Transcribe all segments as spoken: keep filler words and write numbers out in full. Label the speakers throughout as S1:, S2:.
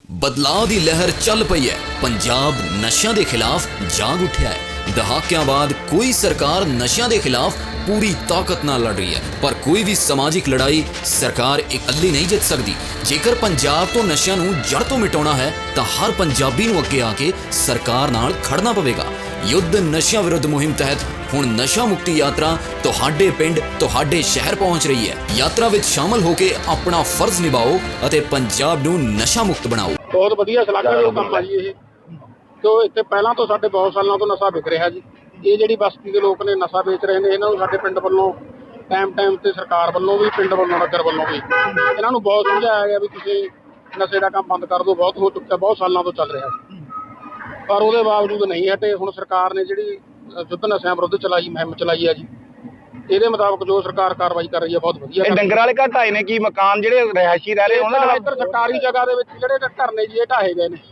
S1: बदलाव की लहर चल पई है। पंजाब नशियां के खिलाफ जाग उठा है। दहाकियां बाद कोई सरकार नशियां के खिलाफ पूरी ताकत नाल लड़ रही है, पर कोई भी समाजिक लड़ाई सरकार इकल्ली नहीं जित सकती। जेकर पंजाब तो नशियां नूं जड़ तो मिटाउणा है तो हर पंजाबी नूं अगे आके सरकार नाल खड़ना पवेगा। युद्ध नशियां विरुद्ध मुहिम तहत हुण नशा मुक्ति यात्रा तुहाडे पिंड तुहाडे शहर पहुंच रही है। यात्रा विच शामिल होके अपना फर्ज निभाओ अते पंजाब नूं नशा मुक्त बनाओ।
S2: बहुत वधिया सलाहकार काम है जी। ये तो इत्थे पहलां तो साडे बहुत सालों तो नशा विक रहा जी। ये जिहड़ी बस्ती के लोग ने नशा बेच रहे हैं, इन्हां नूं साडे पिंड वल्लों टाइम टाइम ते सरकार वल्लों भी पिंड वल्लों नगर वल्लों भी इन्हां नूं बहुत समझाया गया भी तुसीं नशे का काम बंद कर दो। बहुत हो चुका, बहुत सालों तो चल रहा है, पर उसके बावजूद नहीं हटे। हुण सरकार ने जिहड़ी युद्ध नशिਆਂ विरुद्ध चलाई मुहिम चलाई है जी, ਇਹਦੇ ਮੁਤਾਬਕ ਜੋ ਸਰਕਾਰ ਕਾਰਵਾਈ ਕਰ ਰਹੀ ਹੈ ਬਹੁਤ ਵਧੀਆ।
S3: ਡੰਗਰ ਵਾਲੇ ਘਰ ਢਾਏ ਨੇ ਕੀ ਮਕਾਨ ਜਿਹੜੇ ਰਹਿائشੀ ਰਹਿ ਰਹੇ ਉਹਨਾਂ ਦਾ
S2: ਇੱਧਰ ਸਰਕਾਰੀ ਜਗ੍ਹਾ ਦੇ ਵਿੱਚ ਜਿਹੜੇ ਘਰ ਨੇ ਜੀ ਇਹ ਢਾਹੇ ਗਏ ਨੇ।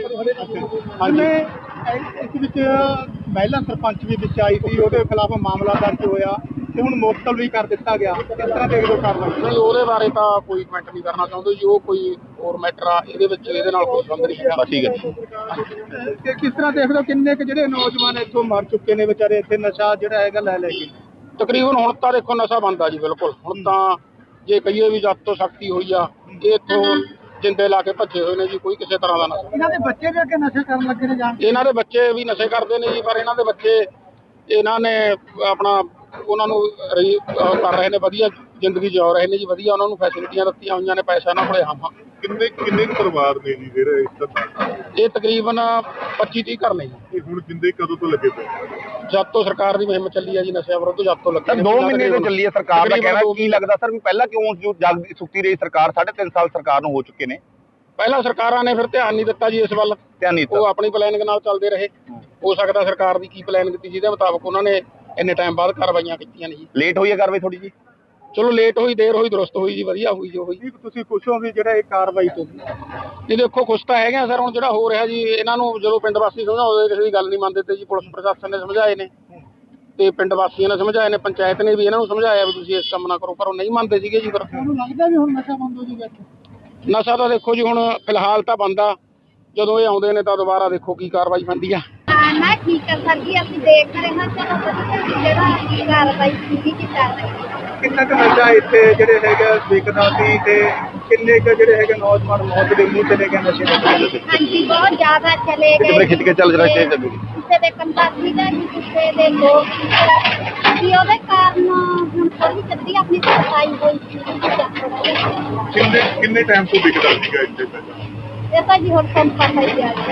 S4: ਹਾਂਜੀ, ਇਸ ਵਿੱਚ ਮਹਿਲਾ ਸਰਪੰਚ ਵੀ ਵਿੱਚ ਆਈ ਸੀ, ਉਹਦੇ ਖਿਲਾਫ ਮਾਮਲਾ ਦਰਜ ਹੋਇਆ ਤੇ ਹੁਣ ਮੁਅੱਤਲ ਵੀ ਕਰ ਦਿੱਤਾ ਗਿਆ। ਕਿਸ ਤਰ੍ਹਾਂ ਦੇਖਦੇ ਹੋ ਕਾਰਵਾਈ?
S2: ਨਹੀਂ, ਉਹਦੇ ਬਾਰੇ ਤਾਂ ਕੋਈ ਕਮੈਂਟ ਨਹੀਂ ਕਰਨਾ ਚਾਹੁੰਦੇ ਜੀ। ਉਹ ਕੋਈ ਹੋਰ ਮੈਟਰ ਆ, ਇਹਦੇ ਵਿੱਚ ਇਹਦੇ ਨਾਲ ਕੋਈ ਸੰਬੰਧ ਨਹੀਂ ਹੈਗਾ।
S3: ਠੀਕ ਹੈ।
S4: ਤੇ ਕਿਸ ਤਰ੍ਹਾਂ ਦੇਖਦੇ ਹੋ ਕਿੰਨੇ ਕੁ ਜਿਹੜੇ ਨੌਜਵਾਨ ਇੱਥੋਂ ਮਰ ਚੁੱਕੇ ਨੇ ਵਿਚਾਰੇ ਇੱਥੇ ਨਸ਼ਾ ਜਿਹੜਾ ਹੈਗਾ ਲੈ ਲੈ ਕੇ?
S2: ਤਕਰੀਬਨ ਹੁਣ ਤਾਂ ਦੇਖੋ ਨਸ਼ਾ ਬੰਦ ਆ ਜੀ ਬਿਲਕੁਲ। ਹੁਣ ਤਾਂ ਜੇ ਕਹੀਏ ਵੀ ਜਦ ਤੋਂ ਸਖਤੀ ਹੋਈ ਆ, ਇਹ ਇੱਥੋਂ ਜਿੰਦੇ ਲਾ ਕੇ ਭੱਜੇ ਹੋਏ ਨੇ ਜੀ। ਕੋਈ ਕਿਸੇ ਤਰ੍ਹਾਂ ਦਾ ਨਸ਼ਾ।
S4: ਇਹਨਾਂ ਦੇ ਬੱਚੇ ਵੀ ਅੱਗੇ ਨਸ਼ੇ ਕਰਨ ਲੱਗੇ ਨੇ ਜਾਣ?
S2: ਇਹਨਾਂ ਦੇ ਬੱਚੇ ਵੀ ਨਸ਼ੇ ਕਰਦੇ ਨੇ ਜੀ, ਪਰ ਇਹਨਾਂ ਦੇ ਬੱਚੇ ਇਹਨਾਂ ਨੇ ਆਪਣਾ ਉਹਨਾਂ ਨੂੰ ਰਹੀ ਕਰ ਰਹੇ ਨੇ, ਵਧੀਆ ਜ਼ਿੰਦਗੀ ਜਿਉ ਰਹੇ ਨੇ ਜੀ। ਵਧੀਆ ਉਹਨਾਂ ਨੂੰ ਫੈਸਿਲਿਟੀਆਂ ਦਿੱਤੀਆਂ ਹੋਈਆਂ ਨੇ, ਪੈਸਾ ਇਹਨਾਂ ਕੋਲੇ ਹਾਂ।
S5: ਕਿੰਨੇ ਕਿੰਨੇ ਪਰਿਵਾਰ ਨੇ ਜੀ ਜਿਹੜੇ ਇਸ ਤਰ੍ਹਾਂ?
S2: ਇਹ ਤਕਰੀਬਨ ਪੱਚੀ ਤੀਹ ਘਰ ਨੇ ਜੀ।
S5: ਇਹ ਹੁਣ ਜਿੰਦੇ ਕਦੋਂ ਤੋਂ ਲੱਗੇ ਪਏ?
S2: ਜਦ ਤੋਂ ਸਰਕਾਰ ਦੀ ਮੁਹਿੰਮ ਚੱਲੀ ਹੈ ਜੀ ਨਸ਼ਿਆਂ ਵਿਰੁੱਧ, ਜਦ ਤੋਂ ਲੱਗੇ ਨੇ।
S3: ਦੋ ਮਹੀਨੇ ਤੋਂ ਚੱਲੀ ਹੈ ਸਰਕਾਰ ਦਾ ਕਹਿਣਾ। ਕੀ ਲੱਗਦਾ ਸਰ ਵੀ ਪਹਿਲਾਂ ਕਿਉਂ ਜੋ ਜਾਗਦੀ ਸੁੱਤੀ ਰਹੀ ਸਰਕਾਰ? ਸਾਢੇ ਤਿੰਨ ਸਾਲ ਸਰਕਾਰ ਨੂੰ ਹੋ ਚੁੱਕੇ ਨੇ।
S2: ਪਹਿਲਾਂ ਸਰਕਾਰਾਂ ਨੇ ਫਿਰ ਧਿਆਨ ਨਹੀਂ ਦਿੱਤਾ ਜੀ ਇਸ ਵੱਲ।
S3: ਧਿਆਨ ਨਹੀਂ ਦਿੱਤਾ।
S2: ਉਹ ਆਪਣੀ ਪਲੈਨਿੰਗ ਨਾਲ ਚੱਲਦੇ ਰਹੇ। ਹੋ ਸਕਦਾ ਸਰਕਾਰ ਦੀ ਕੀ ਪਲੈਨਿੰਗ ਕੀਤੀ ਜਿਹਦੇ ਮੁਤਾਬਕ ਉਹਨਾਂ ਨੇ ਇੰਨੇ ਟਾਈਮ ਬਾਅਦ ਕਾਰਵਾਈਆਂ ਕੀਤੀਆਂ ਨੇ ਜੀ।
S3: ਲੇਟ ਹੋਈ ਹੈ ਕਾਰਵਾਈ ਥੋੜੀ ਜੀ?
S2: ਚਲੋ ਲੇਟ ਹੋਈ, ਦੇਰ ਹੋਈ, ਦਰੁਸਤ ਹੋਈ ਜੀ, ਵਧੀਆ ਹੋਈ ਜੋ ਹੋਈ।
S4: ਤੁਸੀਂ ਖੁਸ਼ ਹੋ ਵੀ ਜਿਹੜਾ ਇਹ ਕਾਰਵਾਈ ਤੋਂ?
S2: ਜੀ ਦੇਖੋ ਖੁਸ਼ ਤਾਂ ਹੈਗੇ ਆ ਸਰ। ਹੁਣ ਜਿਹੜਾ ਹੋ ਰਿਹਾ ਜੀ, ਇਹਨਾਂ ਨੂੰ ਜਦੋਂ ਪਿੰਡ ਵਾਸੀ ਸਮਝਾਉਂਦੇ ਕਿਸੇ ਦੀ ਗੱਲ ਨਹੀਂ ਮੰਨਦੇ ਤੇ ਜੀ ਪੁਲਿਸ ਪ੍ਰਸ਼ਾਸਨ ਨੇ ਸਮਝਾਏ ਨੇ ਤੇ ਪਿੰਡ ਵਾਸੀਆਂ ਨੇ ਸਮਝਾਏ ਨੇ, ਪੰਚਾਇਤ ਨੇ ਵੀ ਇਹਨਾਂ ਨੂੰ ਸਮਝਾਇਆ ਵੀ ਤੁਸੀਂ ਇਸ ਕੰਮ ਨਾ ਕਰੋ, ਪਰ ਉਹ ਨਹੀਂ ਮੰਨਦੇ ਸੀਗੇ ਜੀ। ਫਿਰ
S4: ਤੁਹਾਨੂੰ ਲੱਗਦਾ ਵੀ ਹੁਣ ਨਸ਼ਾ ਬੰਦ ਹੋ ਜੂਗਾ ਇੱਥੇ?
S2: ਨਸ਼ਾ ਤਾਂ ਦੇਖੋ ਜੀ ਹੁਣ ਫਿਲਹਾਲ ਤਾਂ ਬੰਦ ਆ। ਜਦੋਂ ਇਹ ਆਉਂਦੇ ਨੇ ਤਾਂ ਦੁਬਾਰਾ ਦੇਖੋ ਕੀ ਕਾਰਵਾਈ ਬਣਦੀ ਆ।
S6: ਨਾ ਠੀਕ ਹੈ ਸਰ ਜੀ, ਅਸੀਂ ਦੇਖ ਰਹੇ ਹਾਂ। ਚਲੋ ਵਧੀਆ ਜਿਹੜਾ ਕਾਰਵਾਈ ਕੀਤੀ ਕੀ ਕਰ ਰਹੀ ਹੈ।
S4: ਕਿੰਨਾ ਕੁ ਨਸ਼ਾ ਇੱਥੇ ਜਿਹੜੇ ਹੈਗੇ ਵਿਕਦਾ ਸੀ ਤੇ ਕਿੰਨੇ ਕੁ ਜਿਹੜੇ ਹੈਗੇ ਨੌਜਵਾਨ ਮੌਤ ਦੇ ਮੂੰਹ ਚਲੇ ਗਏ ਨਸ਼ੇ ਦੇ?
S6: ਹਾਂਜੀ, ਬਹੁਤ ਜ਼ਿਆਦਾ ਚਲੇ ਗਏ।
S3: ਕਿਤੇ ਖਿੱਚ ਕੇ ਚੱਲ ਰਿਹਾ ਸੀ ਚੱਲੂ
S6: ਕਿਸੇ ਦੇ ਕੰਪਾਸੀ ਦਾ, ਕਿਸੇ ਦੇ ਲੋਕ ਕਿ ਉਹਦੇ ਕਾਰਨ ਹੁਣ ਥੋੜੀ ਜਲਦੀ ਆਪਣੀ ਸਫਾਈ ਹੋਈ ਸੀ।
S5: ਕਿੰਨੇ ਕਿੰਨੇ ਟਾਈਮ ਤੋਂ ਵਿਕਦਾ ਸੀਗਾ ਇੱਥੇ ਪਹਿਲਾਂ?
S6: ਇਹ ਤਾਂ ਜੀ ਹੁਣ ਤੁਹਾਨੂੰ ਪਤਾ ਹੀ ਆ।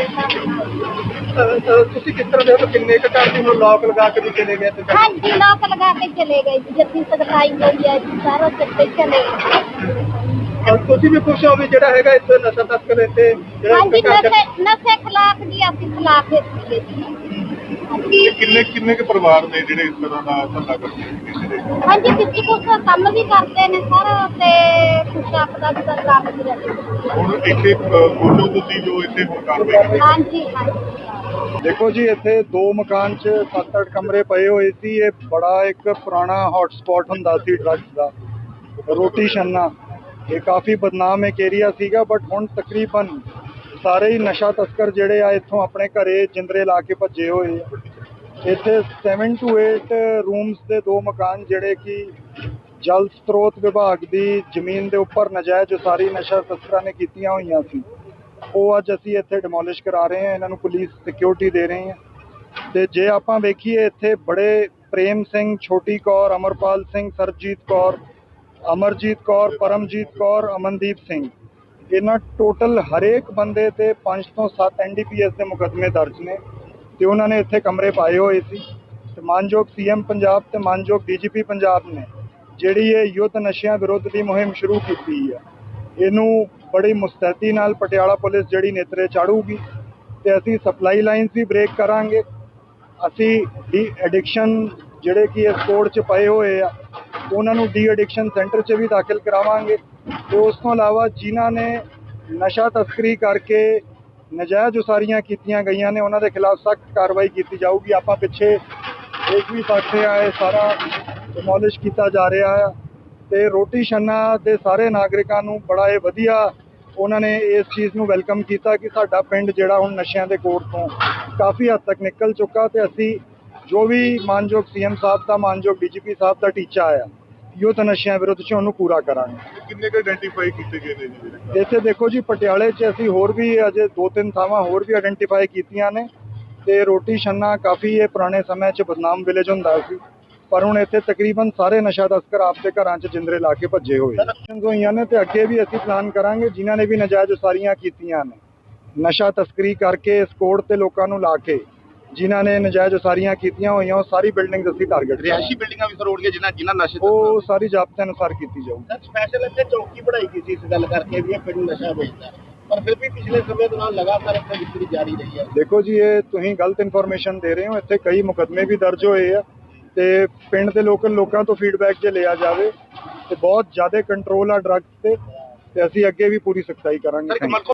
S4: ਤੁਸੀਂ ਕਿਸ ਤਰ੍ਹਾਂ ਦੇਖੋ ਕਿੰਨੇ ਕੁ ਘਰ ਦੀ ਹੁਣ ਲੋਕ ਲਗਾ ਕੇ ਵੀ ਚਲੇ ਗਏ?
S6: ਹਾਂਜੀ, ਲੋਕ ਲਗਾ ਕੇ ਚਲੇ ਗਏ ਜੀ। ਜੱਦੀ ਸਖਤਾਈ ਹੋਈ ਹੈ ਜੀ, ਸਾਰਾ ਚੱਤੇ ਚਲੇ ਗਏ।
S4: ਤੁਸੀਂ ਵੀ ਖੁਸ਼ ਹੋ ਵੀ ਜਿਹੜਾ ਹੈਗਾ ਇੱਥੇ ਨਸ਼ਾ ਤਸਕਰ ਇੱਥੇ
S6: ਹਾਂਜੀ, ਨਸ਼ੇ ਨਸ਼ੇ ਖਿਲਾਫ ਜੀ ਅਸੀਂ ਖਿਲਾਫ ਦਿੱਤੀ ਜੀ।
S5: ਕਿੰਨੇ ਕਿੰਨੇ ਕੁ ਪਰਿਵਾਰ ਨੇ ਜਿਹੜੇ ਇਸ ਤਰ੍ਹਾਂ ਦਾ ਧੰਦਾ ਕਰਦੇ ਨੇ?
S6: ਹਾਂਜੀ, ਕਿਸੇ ਕੁਛ ਕੰਮ ਵੀ ਕਰਦੇ ਨੇ ਸਾਰਾ ਤੇ ਕੁਛ ਆਪਦਾ ਵੀ ਕੰਮ ਵੀ ਕਰਦੇ।
S5: ਹੁਣ ਇੱਥੇ ਬੋਲੋ ਤੁਸੀਂ ਜੋ ਇੱਥੇ ਹੁਣ ਕਾਰਵਾਈ?
S6: ਹਾਂਜੀ ਹਾਂਜੀ।
S4: ਦੇਖੋ ਜੀ, ਇੱਥੇ ਦੋ ਮਕਾਨ 'ਚ ਸੱਤ ਅੱਠ ਕਮਰੇ ਪਏ ਹੋਏ ਸੀ। ਇਹ ਬੜਾ ਇੱਕ ਪੁਰਾਣਾ ਹੌਟ ਸਪੌਟ ਹੁੰਦਾ ਸੀ ਡਰੱਗਸ ਦਾ, ਰੋਟੀ ਛੰਨਾ। ਇਹ ਕਾਫੀ ਬਦਨਾਮ ਇੱਕ ਏਰੀਆ ਸੀਗਾ, ਬਟ ਹੁਣ ਤਕਰੀਬਨ ਸਾਰੇ ਹੀ ਨਸ਼ਾ ਤਸਕਰ ਜਿਹੜੇ ਆ ਇੱਥੋਂ ਆਪਣੇ ਘਰੇ ਜਿੰਦਰੇ ਲਾ ਕੇ ਭੱਜੇ ਹੋਏ ਆ। ਇੱਥੇ ਸੈਵਨ ਟੂ ਏਟ ਰੂਮਸ ਦੇ ਦੋ ਮਕਾਨ ਜਿਹੜੇ ਕਿ ਜਲ ਸਰੋਤ ਵਿਭਾਗ ਦੀ ਜ਼ਮੀਨ ਦੇ ਉੱਪਰ ਨਜਾਇਜ਼ ਉਸਾਰੀ ਨਸ਼ਾ ਤਸਕਰਾਂ ਨੇ ਕੀਤੀਆਂ ਹੋਈਆਂ ਸੀ, ਉਹ ਅੱਜ ਅਸੀਂ ਇੱਥੇ ਡਿਮੋਲਿਸ਼ ਕਰਾ ਰਹੇ ਹਾਂ। ਇਹਨਾਂ ਨੂੰ ਪੁਲਿਸ ਸਿਕਿਉਰਿਟੀ ਦੇ ਰਹੇ ਹਾਂ। ਤੇ ਜੇ ਆਪਾਂ ਵੇਖੀਏ ਇੱਥੇ ਬੜੇ ਪ੍ਰੇਮ ਸਿੰਘ, ਛੋਟੀ ਕੌਰ, ਅਮਰਪਾਲ ਸਿੰਘ, ਸਰਜੀਤ ਕੌਰ, ਅਮਰਜੀਤ ਕੌਰ, ਪਰਮਜੀਤ ਕੌਰ, ਅਮਨਦੀਪ ਸਿੰਘ, ਇਹਨਾਂ ਟੋਟਲ ਹਰੇਕ ਬੰਦੇ ਤੇ ਪੰਜ ਤੋਂ ਸੱਤ ਐਨ ਡੀ ਪੀ ਐਸ ਦੇ ਮੁਕੱਦਮੇ ਦਰਜ ਨੇ ਤੇ ਉਹਨਾਂ ਨੇ ਇੱਥੇ ਕਮਰੇ ਪਾਏ ਹੋਏ ਸੀ। ਤੇ ਮਾਨਯੋਗ ਸੀ ਐਮ ਪੰਜਾਬ ਤੇ ਮਾਨਯੋਗ ਡੀ ਜੀ ਪੀ ਪੰਜਾਬ ਨੇ ਜਿਹੜੀ ਇਹ ਯੁੱਧ ਨਸ਼ਿਆਂ ਵਿਰੁੱਧ ਦੀ ਮੁਹਿੰਮ ਸ਼ੁਰੂ ਕੀਤੀ ਹੈ, ਇਹਨੂੰ ਬੜੀ ਮੁਸਤੈਦੀ ਨਾਲ ਪਟਿਆਲਾ ਪੁਲਿਸ ਜਿਹੜੀ ਨੇਤਰੇ ਚਾੜੂਗੀ ਤੇ ਅਸੀਂ ਸਪਲਾਈ ਲਾਈਨਸ ਵੀ ਬ੍ਰੇਕ ਕਰਾਂਗੇ। ਅਸੀਂ ਡੀ ਐਡਿਕਸ਼ਨ ਜਿਹੜੇ ਕਿ ਇਸ ਕੋਡ 'ਚ ਪਏ ਹੋਏ ਆ ਉਹਨਾਂ ਨੂੰ ਡੀ ਐਡਿਕਸ਼ਨ ਸੈਂਟਰ 'ਚ ਵੀ ਦਾਖਲ ਕਰਾਵਾਂਗੇ। ਤੇ ਉਸ ਤੋਂ ਇਲਾਵਾ ਜਿਨ੍ਹਾਂ ਨੇ ਨਸ਼ਾ ਤਸਕਰੀ ਕਰਕੇ ਨਜਾਇਜ਼ ਉਸਾਰੀਆਂ ਕੀਤੀਆਂ ਗਈਆਂ ਨੇ ਉਹਨਾਂ ਦੇ ਖਿਲਾਫ ਸਖਤ ਕਾਰਵਾਈ ਕੀਤੀ ਜਾਊਗੀ। ਆਪਾਂ ਪਿੱਛੇ ਦੇਖ ਵੀ ਸਕਦੇ ਆ, ਇਹ ਸਾਰਾ ਡਿਮੋਲਿਸ਼ ਕੀਤਾ ਜਾ ਰਿਹਾ ਆ ਤੇ ਰੋਟੀ ਛੰਨਾ ਦੇ ਸਾਰੇ ਨਾਗਰਿਕਾਂ ਨੂੰ ਬੜਾ ਇਹ ਵਧੀਆ ਉਹਨਾਂ ਨੇ ਇਸ ਚੀਜ਼ ਨੂੰ ਵੈਲਕਮ ਕੀਤਾ ਕਿ ਸਾਡਾ ਪਿੰਡ ਜਿਹੜਾ ਹੁਣ ਨਸ਼ਿਆਂ ਦੇ ਕੋੜ ਤੋਂ ਕਾਫੀ ਹੱਦ ਤੱਕ ਨਿਕਲ ਚੁੱਕਾ ਤੇ ਅਸੀਂ ਜੋ ਵੀ ਮਾਨਯੋਗ ਸੀਐਮ ਸਾਹਿਬ ਦਾ ਮਾਨਯੋਗ ਡੀਜੀਪੀ ਸਾਹਿਬ ਦਾ ਟੀਚਾ ਆਇਆ ਯੁੱਧ ਨਸ਼ਿਆਂ ਵਿਰੁੱਧ 'ਚ ਉਹਨੂੰ ਪੂਰਾ ਕਰਾਂਗੇ।
S5: ਕਿੰਨੇ ਕੁ ਆਇਡੈਂਟੀਫਾਈ ਕੀਤੇ ਗਏ ਨੇ ਜੀ ਜਿਹੜੇ?
S4: ਇੱਥੇ ਦੇਖੋ ਜੀ ਪਟਿਆਲੇ 'ਚ ਅਸੀਂ ਹੋਰ ਵੀ ਅਜੇ ਦੋ ਤਿੰਨ ਥਾਵਾਂ ਹੋਰ ਵੀ ਆਇਡੈਂਟੀਫਾਈ ਕੀਤੀਆਂ ਨੇ ਤੇ ਰੋਟੀ ਛੰਨਾ ਕਾਫੀ ਇਹ ਪੁਰਾਣੇ ਸਮੇਂ 'ਚ ਬਦਨਾਮ ਵਿਲੇਜ ਹੁੰਦਾ ਸੀ ਪਰ ਹੁਣ ਇੱਥੇ ਤਕਰੀਬਨ ਸਾਰੇ ਨਸ਼ਾ ਤਸਕਰ ਆਪਦੇ ਘਰਾਂ 'ਚ ਜਿੰਦਰੇ ਲਾ ਕੇ ਭੱਜੇ ਹੋਏ ਹੋਈਆਂ ਨੇ ਤੇ ਅੱਗੇ ਵੀ ਅਸੀਂ ਪਲਾਨ ਕਰਾਂਗੇ ਜਿਨ੍ਹਾਂ ਨੇ ਵੀ ਨਜਾਇਜ਼ ਉਸਾਰੀਆਂ ਕੀਤੀਆਂ ਨੇ ਨਸ਼ਾ ਤਸਕਰੀ ਕਰਕੇ ਇਸ ਕੋਡ ਤੇ ਲੋਕਾਂ ਨੂੰ ਲਾ ਕੇ ਜਿਨ੍ਹਾਂ ਨੇ ਨਜਾਇਜ਼ ਉਸਾਰੀਆਂ ਕੀਤੀਆਂ ਹੋਈਆਂ ਉਹ ਸਾਰੀ ਬਿਲਡਿੰਗਸ ਅਸੀਂ ਟਾਰਗੇਟ
S3: ਰਿਹਾਇਸ਼ੀ ਬਿਲਡਿੰਗਾਂ ਵੀ ਸਰ ਰੋਡ ਜਿਨ੍ਹਾਂ ਜਿਨ੍ਹਾਂ ਨਸ਼ੇ
S4: ਉਹ ਸਾਰੀ ਜ਼ਾਬਤੇ ਅਨੁਸਾਰ ਕੀਤੀ ਜਾਊਗੀ।
S7: ਸਰ ਸਪੈਸ਼ਲ ਇੱਥੇ ਚੌਕੀ ਬਣਾਈ ਗਈ ਸੀ ਇਸ ਗੱਲ ਕਰਕੇ ਵੀ ਇਹ ਪਿੰਡ ਨਸ਼ਾ ਵੇਚਦਾ ਪਰ ਫਿਰ ਵੀ ਪਿਛਲੇ ਸਮੇਂ ਦੌਰਾਨ ਲਗਾਤਾਰ ਇੱਥੇ ਵਿਕਰੀ ਜਾਰੀ ਰਹੀ ਹੈ।
S4: ਦੇਖੋ ਜੀ ਇਹ ਤੁਸੀਂ ਗਲਤ ਇਨਫੋਰਮੇਸ਼ਨ ਦੇ ਰਹੇ ਹੋ ਇੱਥੇ ਕਈ ਮੁਕੱਦਮੇ ਵੀ ਦਰਜ ਹੋਏ ਆ ਤੇ ਪਿੰਡ ਦੇ ਲੋਕਲ ਲੋਕਾਂ ਤੋਂ ਫੀਡਬੈਕ ਜੇ ਲਿਆ ਜਾਵੇ ਤੇ ਬਹੁਤ ਜ਼ਿਆਦਾ ਕੰਟਰੋਲ ਆ ਡਰੱਗਸ ਤੇ ਤੇ ਅਸੀਂ ਅੱਗੇ ਵੀ ਪੂਰੀ ਸਖਤਾਈ ਕਰਾਂਗੇ।